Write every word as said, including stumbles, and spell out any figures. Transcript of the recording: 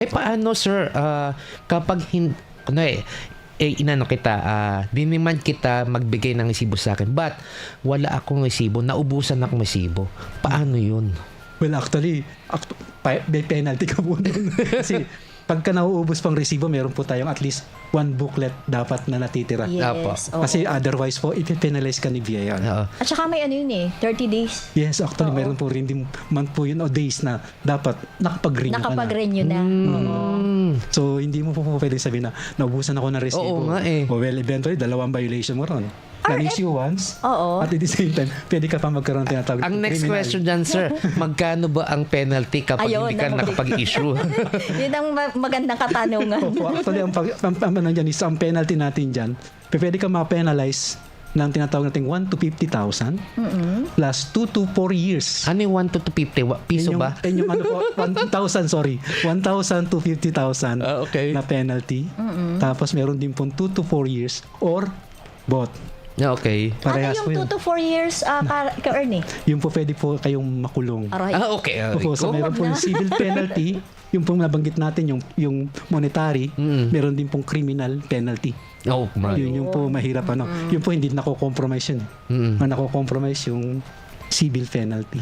Eh paano sir, ah, kapag hin ano eh, eh inano kita, ah, diniman kita magbigay ng resibo sa akin, but wala akong resibo, naubusan akong resibo. Paano yun? Well, actually, act- pa- may penalty ka po doon. Kasi pagka nauubos pang resibo, meron po tayong at least one booklet dapat na natitira. Apo. Yes. oo. Kasi otherwise po, ipipenalize ka ni V I R. Oo. At saka may ano yun eh, thirty days. Yes, actually, Oo. meron po rin din month po yun o days na dapat nakapag-renew ka na. Nakapag-renew na. Oo. Mm. So, hindi mo po po pwedeng sabihin na naubusan ako ng resibo. Oo nga eh. O well, eventually, dalawang violation mo ron. Na-issue once, Oo. at at the same time, pwede ka pa magkaroon ng tinatawag. Ang next criminal. question dyan, sir, magkano ba ang penalty kapag Ayun, hindi ka naku. nakapag-issue? Yun ang ma- magandang katanungan. Opo, actually, ang, pag, ang, ang, ang, nandyan is, ang penalty natin dyan, pwede ka ma-penalize ng tinatawag natin one to fifty thousand plus two to four years. Ano yung one to two fifty? Wa- Piso Yun yung, ba? yun yung ano po, one thousand, sorry. one thousand to fifty thousand Ah, okay. na penalty. Tapos meron din pong two to four years or both. Yeah, okay. Parehas ano po yung yun. two to four years uh, ka, ka-earn eh? Yung po pwede po kayong makulong. Aray. Ah, okay. Ah, Opo, so go. meron po yung civil penalty, yung pong nabanggit natin, yung, yung monetary, Mm. meron din pong criminal penalty. Oh, right. Yun yung po mahirap ano. Yung po hindi nako-compromise yun. Mm. Na nako-compromise yung civil penalty.